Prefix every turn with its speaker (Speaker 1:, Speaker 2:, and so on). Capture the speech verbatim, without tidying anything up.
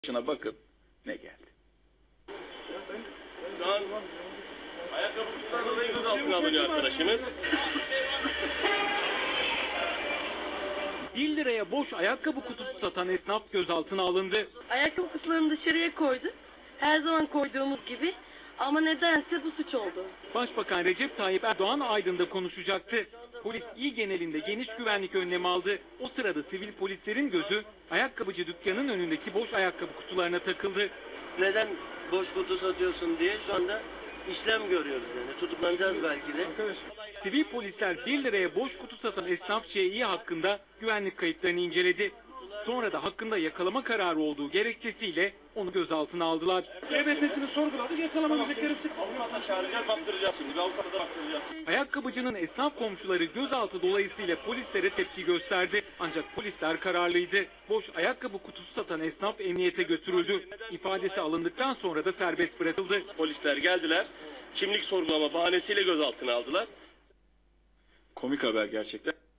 Speaker 1: Şuna bakın ne geldi.
Speaker 2: Şu an ayakkabı kutusundan dolayı gözaltına alınıyor arkadaşımız.
Speaker 3: bir liraya boş ayakkabı kutusu satan esnaf gözaltına alındı.
Speaker 4: Ayakkabı kutularını dışarıya koyduk. Her zaman koyduğumuz gibi. Ama nedense bu suç oldu.
Speaker 3: Başbakan Recep Tayyip Erdoğan Aydın'da konuşacaktı. Polis il genelinde geniş güvenlik önlemi aldı. O sırada sivil polislerin gözü ayakkabıcı dükkanın önündeki boş ayakkabı kutularına takıldı.
Speaker 5: Neden boş kutu satıyorsun diye şu anda işlem görüyoruz yani. Tutuklanacağız belki de.
Speaker 3: Sivil polisler bir liraya boş kutu satan esnaf Ş İ hakkında güvenlik kayıtlarını inceledi. Sonra da hakkında yakalama kararı olduğu gerekçesiyle onu gözaltına aldılar.
Speaker 2: E B T'sini sorguladık, yakalama müzekleri sık. Avukatla çağıracağız, baktıracağız şimdi. Bir avukata da baktıracağız.
Speaker 3: Ayakkabıcının esnaf komşuları gözaltı dolayısıyla polislere tepki gösterdi. Ancak polisler kararlıydı. Boş ayakkabı kutusu satan esnaf emniyete götürüldü. İfadesi alındıktan sonra da serbest bırakıldı.
Speaker 2: Polisler geldiler, kimlik sorgulama bahanesiyle gözaltına aldılar.
Speaker 1: Komik haber gerçekten.